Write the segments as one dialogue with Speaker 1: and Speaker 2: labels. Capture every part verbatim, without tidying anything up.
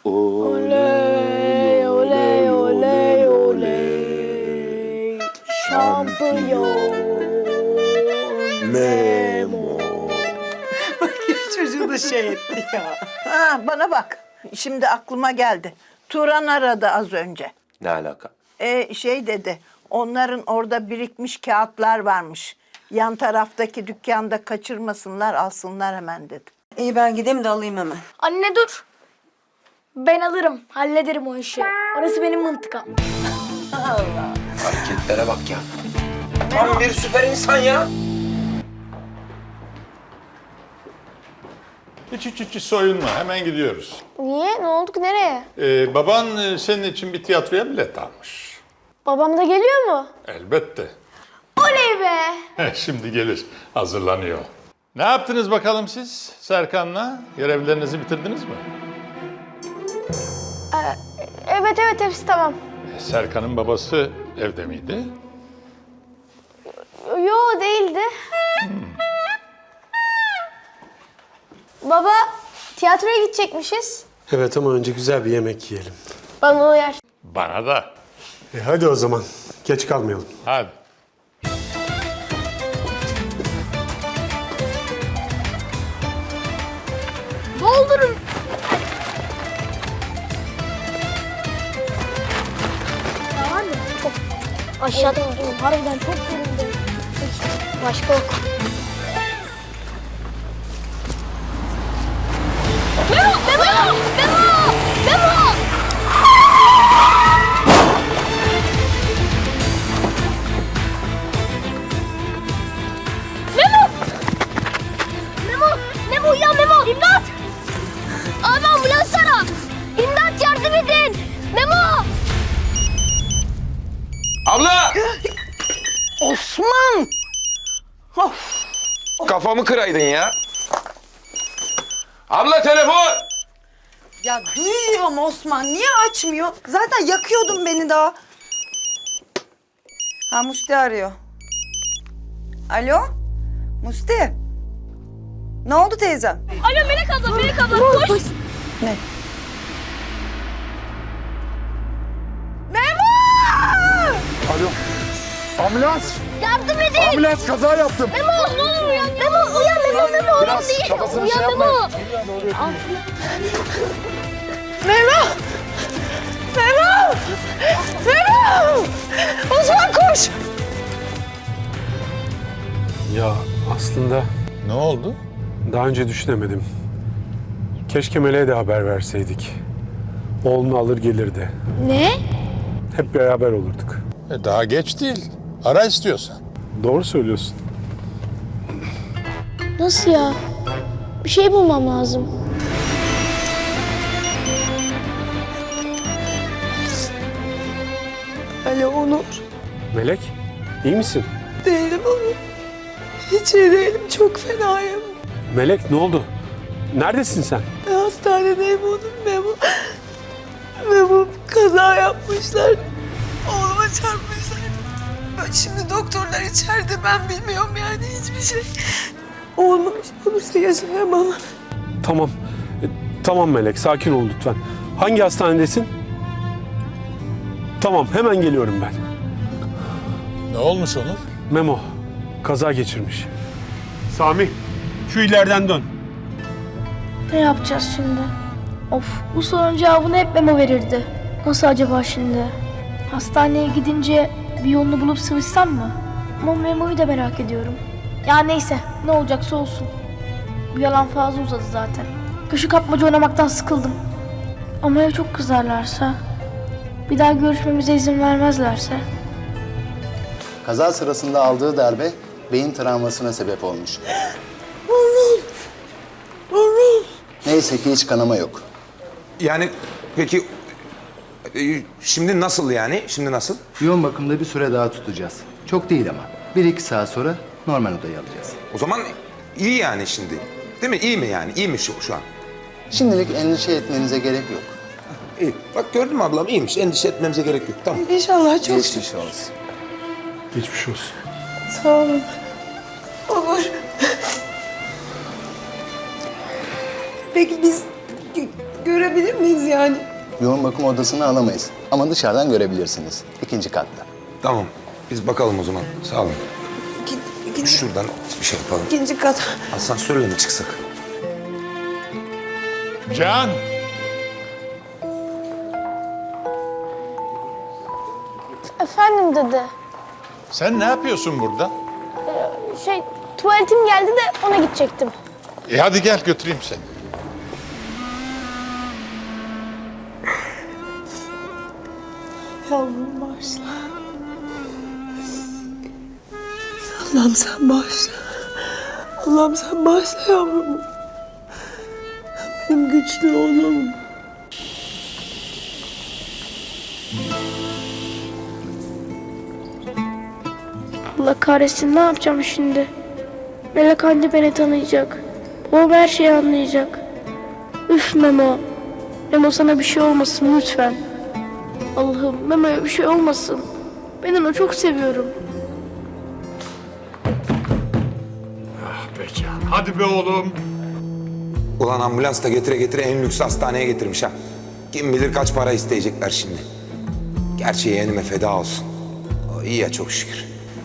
Speaker 1: Oley, oley, oley, oley. Şampiyon Memo.
Speaker 2: Bak ya çocuğu da şey etti ya.
Speaker 3: Ha, bana bak. Şimdi aklıma geldi. Turan aradı az önce.
Speaker 4: Ne alaka?
Speaker 3: E, şey dedi, onların orada birikmiş kağıtlar varmış. Yan taraftaki dükkanda kaçırmasınlar, alsınlar hemen dedi.
Speaker 2: İyi ben gideyim de alayım hemen.
Speaker 1: Anne dur. Ben alırım, hallederim o işi. Orası benim mıntıkam.
Speaker 4: Hareketlere bak ya. Tam bir süper insan ya.
Speaker 5: Hiç hiç hiç soyunma. Hemen gidiyoruz.
Speaker 1: Niye? Ne oldu ki? Nereye?
Speaker 5: Ee, baban e, senin için bir tiyatroya bilet almış.
Speaker 1: Babam da geliyor mu?
Speaker 5: Elbette.
Speaker 1: Oley be!
Speaker 5: Heh, Şimdi gelir. Hazırlanıyor. Ne yaptınız bakalım siz Serkan'la? Görevlerinizi bitirdiniz mi?
Speaker 1: Evet evet hepsi tamam.
Speaker 5: E, Serkan'ın babası evde miydi?
Speaker 1: Yo değildi. Baba tiyatroya gidecekmişiz.
Speaker 6: Evet ama önce güzel bir yemek yiyelim.
Speaker 1: Bana uyar.
Speaker 5: Bana da.
Speaker 6: E hadi o zaman. Geç kalmayalım.
Speaker 5: Hadi.
Speaker 1: Doldurun. Ya var ya çok aşağıda oldum. Harbiden çok göründü. Başka yok. Memo! Memo! Memo! Memo! Memo! Memo! Memo uyan Memo! İmdat! Abi ambulans ara! İmdat yardım edin! Memo!
Speaker 4: Abla!
Speaker 3: Osman! Of!
Speaker 4: Kafamı kıraydın ya. Abla telefon!
Speaker 2: Ya duyuyorum Osman. Niye açmıyor? Zaten yakıyordun beni daha. Ha Musti arıyor. Alo? Musti? Ne oldu teyzem?
Speaker 1: Alo Melek abla, Melek abla koş!
Speaker 2: Ne?
Speaker 7: Alo. Ambulans.
Speaker 1: Yardım edin!
Speaker 7: Ambulans kaza yaptım.
Speaker 1: Memo ne olur uyan! Memo uyan Memo Memo oğlum
Speaker 7: Biraz
Speaker 1: değil!
Speaker 7: kafasını
Speaker 1: Uyan
Speaker 7: şey
Speaker 1: Memo!
Speaker 7: yapmayın.
Speaker 2: Memo! Memo! Memo! Osman koş!
Speaker 6: Ya aslında
Speaker 5: Ne oldu?
Speaker 6: daha önce düşünemedim. Keşke Melek'e de haber verseydik. Oğlunu alır gelirdi.
Speaker 1: Ne?
Speaker 6: Hep beraber olurduk.
Speaker 5: E, daha geç değil. Ara istiyorsan.
Speaker 6: Doğru söylüyorsun.
Speaker 1: Nasıl ya? Bir şey bulmam lazım.
Speaker 2: Alo Onur.
Speaker 6: Melek, iyi misin?
Speaker 2: Değilim Onur. Hiç iyi değilim. Çok fenayım.
Speaker 6: Melek ne oldu? Neredesin sen?
Speaker 2: Hastanedeyim Onur. Memo. Memo kaza yapmışlar. Oğluma çarpmışlar. Ben şimdi doktorlar içeride. Ben bilmiyorum yani hiçbir şey. Oğluma bir şey olursa yaşayamam.
Speaker 6: Tamam. E, tamam Melek, sakin ol lütfen. Hangi hastanedesin? Tamam, hemen geliyorum ben.
Speaker 5: Ne olmuş Onur?
Speaker 6: Memo, kaza geçirmiş. Sami, şu ileriden dön.
Speaker 1: Ne yapacağız şimdi? Of bu sorunun cevabını hep Memo verirdi. Nasıl acaba şimdi? Hastaneye gidince bir yolunu bulup sıvışsam mı? Ama Memo'yu da merak ediyorum. Ya neyse ne olacaksa olsun. Bu yalan fazla uzadı zaten. Köşe kapmaca oynamaktan sıkıldım. Ama ya çok kızarlarsa? Bir daha görüşmemize izin vermezlerse?
Speaker 8: Kaza sırasında aldığı darbe beyin travmasına sebep olmuş. Neyse ki hiç kanama yok.
Speaker 4: Yani peki e, şimdi nasıl yani? Şimdi nasıl?
Speaker 8: Yoğun bakımda bir süre daha tutacağız. Çok değil ama. Bir iki saat sonra normal odaya alacağız.
Speaker 4: O zaman iyi yani şimdi. Değil mi? İyi mi yani? İyi mi şu, şu an?
Speaker 8: Şimdilik endişe etmenize gerek yok.
Speaker 4: İyi. Bak gördün mü ablam? İyiymiş. Endişe etmemize gerek yok. Tamam.
Speaker 2: İnşallah çok
Speaker 8: Geçmiş olsun.
Speaker 6: Geçmiş olsun.
Speaker 2: sağ olun. Onur. Peki biz görebilir miyiz yani?
Speaker 8: Yoğun bakım odasını alamayız ama dışarıdan görebilirsiniz. İkinci katta.
Speaker 4: Tamam. Biz bakalım o zaman. Sağ olun.
Speaker 2: İki, ikinci,
Speaker 4: Şuradan bir şey yapalım.
Speaker 2: ikinci kat.
Speaker 4: Asansörle mi çıksak?
Speaker 5: Can!
Speaker 1: Efendim dede.
Speaker 5: Sen ne yapıyorsun burada?
Speaker 1: Şey tuvaletim geldi de ona gidecektim.
Speaker 5: E hadi gel götüreyim seni.
Speaker 2: Yavrum bağışla. Allah'ım sen bağışla. Allah'ım sen bağışla yavrumu. Benim güçlü oğlum.
Speaker 1: Allah kahretsin, ne yapacağım şimdi? Melek anne beni tanıyacak. Babam her şeyi anlayacak. Üf Memo. Memo sana bir şey olmasın lütfen. Allah'ım Memo'ya bir şey olmasın. Ben onu çok seviyorum.
Speaker 5: Ah be Can, hadi be oğlum.
Speaker 4: Ulan ambulans da getire getire en lüks hastaneye getirmiş ha. Kim bilir kaç para isteyecekler şimdi. Gerçi yeğenime feda olsun. O iyi ya çok şükür.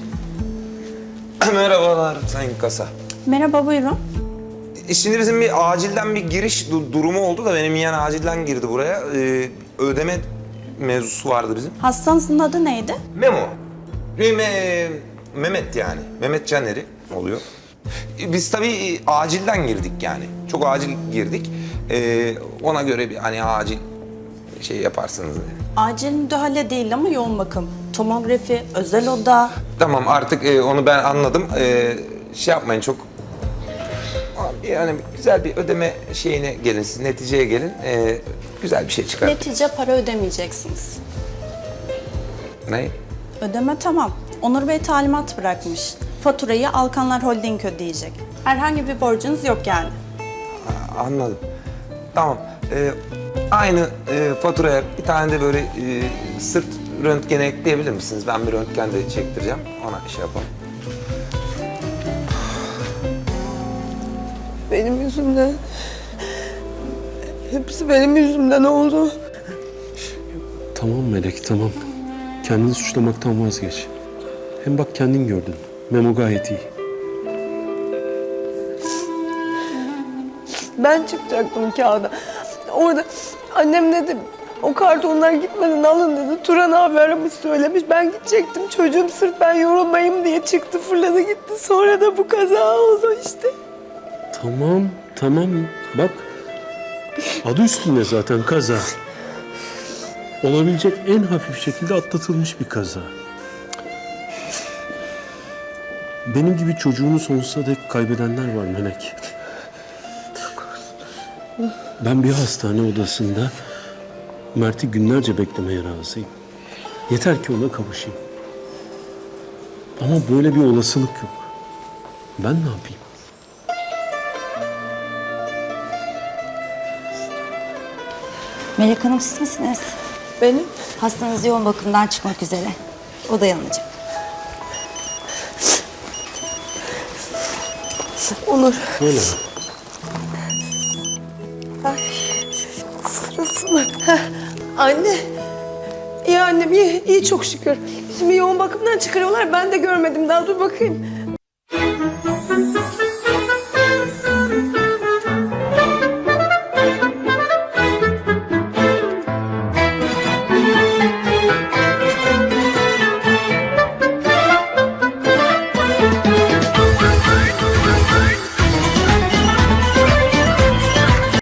Speaker 4: Merhabalar Sayın Kasa.
Speaker 9: Merhaba, buyurun.
Speaker 4: E, Şimdi bizim bir acilden bir giriş du- durumu oldu da benim yeğen acilden girdi buraya. Ee, ödeme mevzusu vardı bizim.
Speaker 9: Hastanızın adı neydi?
Speaker 4: Memo. Benim, e, Mehmet yani. Mehmet Caner'i oluyor. E, Biz tabii acilden girdik yani. Çok acil girdik. Ee, ona göre bir hani acil şey yaparsınız dedi.
Speaker 9: Acil müdahale değil ama yoğun bakım. Tomografi, özel oda.
Speaker 4: Tamam artık e, onu ben anladım. E, şey yapmayın çok. Yani güzel bir ödeme şeyine gelin siz neticeye gelin. E, güzel bir şey çıkar.
Speaker 9: Netice para ödemeyeceksiniz.
Speaker 4: Ne?
Speaker 9: Ödeme tamam. Onur Bey talimat bırakmış. Faturayı Alkanlar Holding ödeyecek. Herhangi bir borcunuz yok yani.
Speaker 4: Ha, anladım. Tamam. E, aynı e, faturaya bir tane de böyle e, sırt röntgeni ekleyebilir misiniz? Ben bir röntgen de çektireceğim. Ona şey yapalım.
Speaker 2: Benim yüzümden. Hepsi benim yüzümden oldu.
Speaker 6: Tamam Melek, tamam. Kendini suçlamaktan vazgeç. Hem bak kendin gördün. Memo gayet iyi.
Speaker 2: Ben çıkacaktım kağıda. Orada annem dedi, o kartonlar gitmeden alın dedi. Turan abi aramış söylemiş. Ben gidecektim. Çocuğum sırf ben yorulmayayım diye çıktı fırladı gitti. Sonra da bu kaza oldu işte.
Speaker 6: Tamam, tamam. Bak, adı üstünde zaten kaza. Olabilecek en hafif şekilde atlatılmış bir kaza. Benim gibi çocuğunu sonsuza dek kaybedenler var Melek. Ben bir hastane odasında Mert'i günlerce beklemeye razıyım. Yeter ki ona kavuşayım. Ama böyle bir olasılık yok. Ben ne yapayım?
Speaker 10: Melek Hanım siz misiniz?
Speaker 2: Benim
Speaker 10: Hastanız yoğun bakımdan çıkmak üzere. O dayanacak.
Speaker 2: Onur.
Speaker 6: Öyle mi?
Speaker 2: Ay, sırası mı? Heh, anne. İyi annem iyi, iyi çok şükür. Şimdi yoğun bakımdan çıkarıyorlar. Ben de görmedim daha dur bakayım.